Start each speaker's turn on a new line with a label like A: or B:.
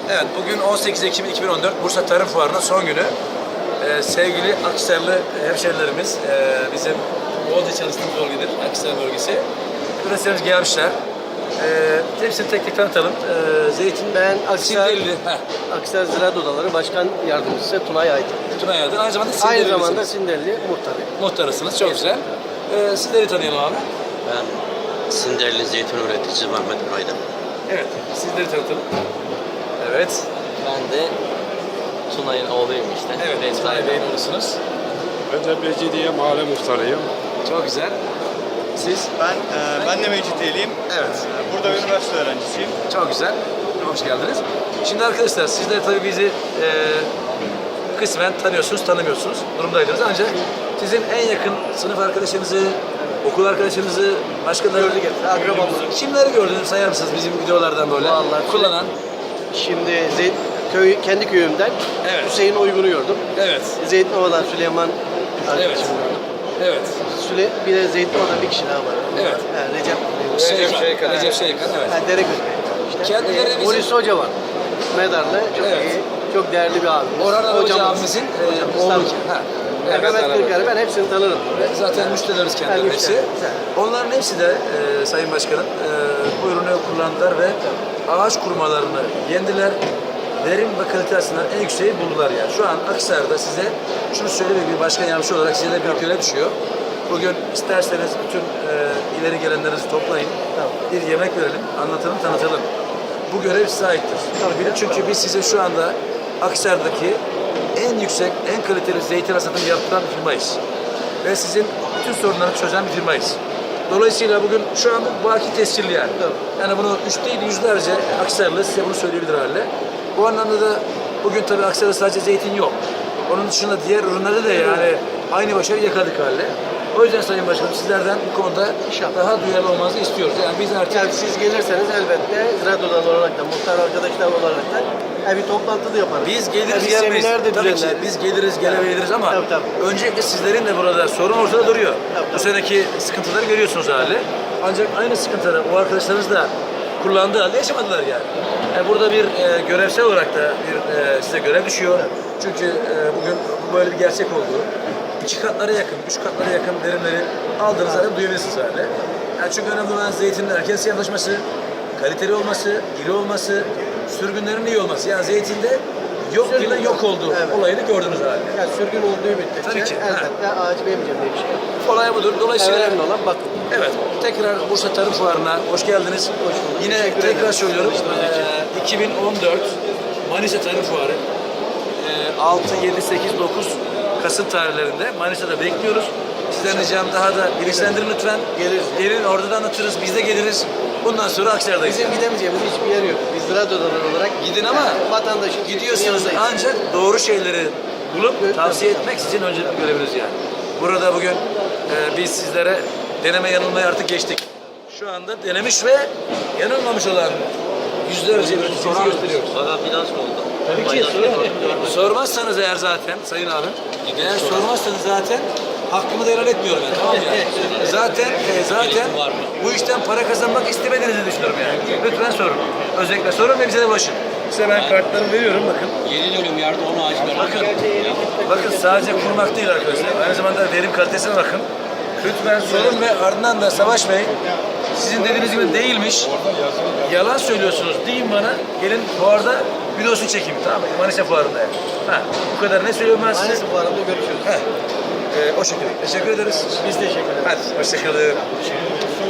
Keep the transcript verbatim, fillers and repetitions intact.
A: Evet, bugün on sekiz Ekim iki bin on dört Bursa Tarım Fuarı'nın son günü. Ee, sevgili Akhisarlı hemşerilerimiz, e, bizim bolca çalıştığımız bölgedir, Akhisar bölgesi. Üreticilerimiz gelmişler. Ee, hepsini tek tek tanıtalım. Ee, zeytin,
B: Ben Akhisar,
A: Sindelili,
B: Akhisar Ziraat Odaları Başkan Yardımcısı Tunay Aydın.
A: Tunay Aydın. Aynı zamanda
B: Aynı
A: Sindelili
B: zamanda Sindelili muhtarı.
A: muhtarısınız. Çok güzel. Ee, sizleri tanıyalım abi.
C: Ben Sinderli zeytin üreticisi Mehmet Aydın.
A: Evet, sizleri tanıtalım. Evet.
C: Ben de Tunay'ın oğluyum işte.
A: Evet,
C: Benim
A: Tunay
C: saygım.
A: Bey'in oğlusunuz.
D: Ben de Mecidiye mahalle muhtarıyım.
A: Çok güzel. Siz?
E: Ben e, ben de Mecidiyeliyim.
A: Evet.
E: E, Burada üniversite öğrencisiyim.
A: Çok güzel. Hoş geldiniz. Şimdi arkadaşlar sizler tabii bizi e, kısmen tanıyorsunuz, tanımıyorsunuz durumdaydınız. Ancak sizin en yakın sınıf arkadaşınızı, okul arkadaşınızı, başkaları
B: Gördük hep, akrabamızı.
A: Kimleri gördünüz sayar mısınız bizim videolardan böyle?
B: Vallahi
A: kullanan.
B: Şimdi Zeyt, köy, kendi köyümden
A: Evet.
B: Hüseyin Uygun'u gördüm.
A: Evet.
B: Zeytinova'dan Süleyman
A: Evet.
B: arkadaşımı gördüm.
A: Evet.
B: Süle, bir de Zeytinova'dan bir kişi daha var.
A: Evet.
B: Ha, Recep.
A: Recep Şeykan. Recep Şeykan. Evet.
B: Ha, Dereköy. İşte.
A: Kendileri
B: Ee,
A: bizim-
B: Polis Hoca var. Medarlı. Çok
A: Evet.
B: iyi. Çok değerli bir abimiz.
A: Orhan Hoca
B: Hocamız.
A: abimizin e,
B: Hocamız,
A: oğlu.
B: tabii.
A: Ha.
B: Evet, Mehmet
A: beraber.
B: Kırkar'ı ben hepsini tanırım.
A: Zaten müşterilerimiz kendileri
B: Yani
A: hepsi.
B: müşteri, güzel.
A: Onların hepsi de e, Sayın Başkanım e, bu ürünü kullandılar ve ağaç kurumalarını yendiler. Verim ve kalite açısından en yükseği buldular yani. Şu an Akhisar'da size şunu söylemek bir başkan yardımcısı olarak size de büyük görev düşüyor. Bugün isterseniz bütün e, ileri gelenlerinizi toplayın. Bir yemek verelim, anlatalım, tanıtalım. Bu görev size aittir. Çünkü biz size şu anda Akhisar'daki en yüksek, en kaliteli zeytin hasatını yaptıran bir firmayız. Ve sizin bütün sorunları çözen bir firmayız. Dolayısıyla bugün şu an bu baki tescilli yani. Yani bunu üç değil yüzlerce Akhisarlı size bunu söyleyebilir hale. Bu anlamda da bugün tabii Akhisar'da sadece zeytin yok. Onun dışında diğer ürünlerde de yani aynı başarıyı yakaladık hale. O yüzden Sayın Başkanım sizlerden bu konuda daha duyarlı olmanızı istiyoruz. Yani biz artık
B: Yani siz gelirseniz elbette Ziraat Odaları olarak da, muhtar arkadaşlar olarak da yani bir toplantı da yaparız.
A: biz geliriz
B: Yani
A: gelmeyiz.
B: seminer de
A: Tabii ki
B: düzenleriz.
A: biz geliriz gelemeyiz ama
B: Tabii, tabii.
A: öncelikle sizlerin de burada sorun ortada duruyor.
B: Tabii,
A: Bu
B: tabii.
A: seneki sıkıntıları görüyorsunuz hali. Ancak aynı sıkıntıları o arkadaşlarınız da kullandığı halde yaşamadılar yani. Yani burada bir e, görevsel olarak da bir e, size görev düşüyor. Çünkü e, bugün bu böyle bir gerçek oldu. İki katlara yakın, üç katlara yakın verimleri aldığınız halde duyabilirsiniz hali. Yani çünkü önemli olan zeytinin erken siyahlaşması, kaliteli olması, iri olması, sürgünlerin iyi olması. Yani zeytinde yok
B: Sürgün
A: ile yok olduğu
B: evet.
A: olayını gördünüz hali.
B: Yani sürgün olduğu müddetçe
A: Tabii ki,
B: elbette ağacı vermeyeceğim diye bir şey yok.
A: Olay budur. Dolayısıyla
B: Önemli olan bakın.
A: evet, tekrar Bursa Tarım Fuarı'na hoş geldiniz.
B: Hoş bulduk.
A: Yine
B: Teşekkür
A: tekrar
B: ederim.
A: söylüyorum. Ee, iki bin on dört Manisa Tarım Fuarı ee, altı, yedi, sekiz, dokuz Kasım tarihlerinde Manisa'da bekliyoruz. Sizden ricam daha da bilinçlendirin lütfen.
B: Geliriz.
A: Gelin orada da anlatırız. Biz de geliriz. Bundan sonra Akhisar'dayız.
B: Bizim gidemeyeceğimiz hiçbir yer yok. Biz Ziraat Odaları olarak
A: Gidin ama
B: yani vatandaşın
A: gidiyorsunuz
B: yanındayız.
A: ancak doğru şeyleri bulup
B: Evet,
A: tavsiye
B: tabii.
A: etmek sizin öncelikli göreviniz yani. Burada bugün e, biz sizlere deneme yanılmayı artık geçtik. Şu anda denemiş ve yanılmamış olan yüzlerce üreticimizi gösteriyoruz.
C: Bana biraz mı oldu?
A: Tabii ki sorun. Sormazsanız eğer zaten Sayın abim, eğer sormazsanız zaten hakkımı da helal etmiyorum yani. Tamam mı yani? Zaten e, zaten bu işten para kazanmak istemediğinizi düşünüyorum yani. Lütfen sorun. Özellikle sorun ve bize de ulaşın. Size ben kartlarımı veriyorum bakın.
C: yedi dönüm yerde on ağaç var.
A: Bakın, bakın sadece kurmak değil arkadaşlar. Aynı zamanda verim kalitesine bakın. Lütfen sorun ve ardından da Savaş Bey sizin dediğiniz gibi değilmiş. Yalan söylüyorsunuz deyin bana. Gelin fuarda videosunu çekeyim tamam mı? Manisa fuarında yani. Ha, bu kadar ne söylüyorum ben size?
B: Manisa fuarında görüşürüz.
A: Heh. Ee, o şekilde. Teşekkür ederiz.
B: Biz teşekkür ederiz.
A: Hadi hoşçakalın.